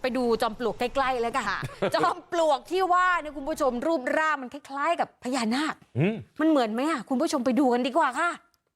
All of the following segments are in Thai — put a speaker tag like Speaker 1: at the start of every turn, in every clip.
Speaker 1: ไปดูจอมปลวกใกล้ๆแล้วกันค่ะจอมปลวกที่ว่าเนี่ยคุณผู้ชมรูปร่างมันคล้ายๆกับพญานาคมันเหมือนไหมอ่ะคุณผู้ชมไปดูกันดีกว่าค่ะ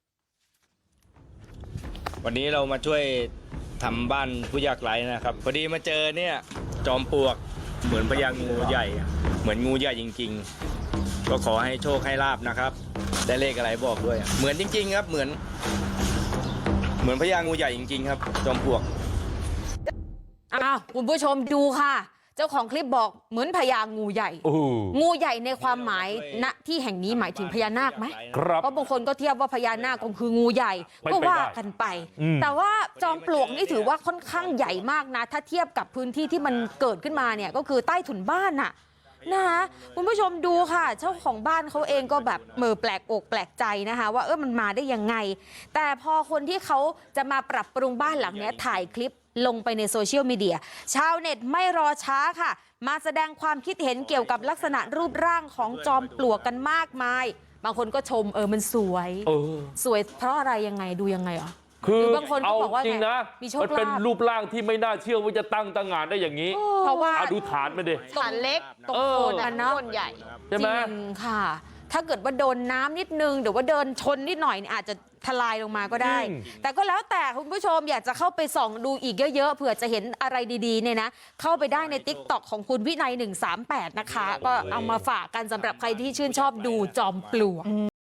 Speaker 2: วันนี้เรามาช่วยทำบ้านผู้ยากไร้นะครับพอดีมาเจอเนี่ยจอมปลวกเหมือนพญางูใหญ่เหมือนงูใหญ่จริงๆก็ขอให้โชคให้ลาบนะครับได้เลขอะไรบอกด้วยเหมือนจริงๆครับเหมือนพญางูใหญ่จริงๆครับจอมปลวก
Speaker 1: อ้าวคุณผู้ชมดูค่ะเจ้าของคลิปบอกเหมือนพญางูใหญ่งูใหญ่ในความหมายณที่แห่งนี้หมายถึงพญานาคไหมเพราะบางคนก็เทียบว่าพญานาคก็คืองูใหญ่ก็ว่ากันไปแต่ว่าจอมปลวกนี่ถือว่าค่อนข้างใหญ่มากนะถ้าเทียบกับพื้นที่ที่มันเกิดขึ้นมาเนี่ยก็คือใต้ถุนบ้านน่ะนะคะคุณผู้ชมดูค่ะเจ้าของบ้านเขาเองก็แบบแปลกอกแปลกใจนะคะว่ามันมาได้ยังไงแต่พอคนที่เขาจะมาปรับปรุงบ้านหลังนี้ถ่ายคลิปลงไปในโซเชียลมีเดียชาวเน็ตไม่รอช้าค่ะมาแสดงความคิดเห็นเกี่ยวกับลักษณะรูปร่างของจอมปลวกกันมากมายบางคนก็ชมมันสวยสวยเพราะอะไรยังไงดูยังไงอ่ะ
Speaker 3: คือบางคนก็บอกว่าจริงนะมันเป็นรูปร่างที่ไม่น่าเชื่อว่าจะตั้งงานได้อย่างนี้
Speaker 1: เพราะว่า
Speaker 3: ดูฐานมันดิ
Speaker 1: ฐานเล็กตรงโคนนะใหญ่
Speaker 3: ใช่ไหม
Speaker 1: จริงค่ะถ้าเกิดว่าโดนน้ำนิดนึงหรือว่าเดินชนนิดหน่อยอาจจะทลายลงมาก็ได้แต่ก็แล้วแต่คุณผู้ชมอยากจะเข้าไปส่องดูอีกเยอะๆเผื่อจะเห็นอะไรดีๆเนี่ยนะเข้าไปได้ใน TikTok ของคุณวินัย138นะคะก็เอามาฝากกันสำหรับใครที่ชื่นชอบดูจอมปลวก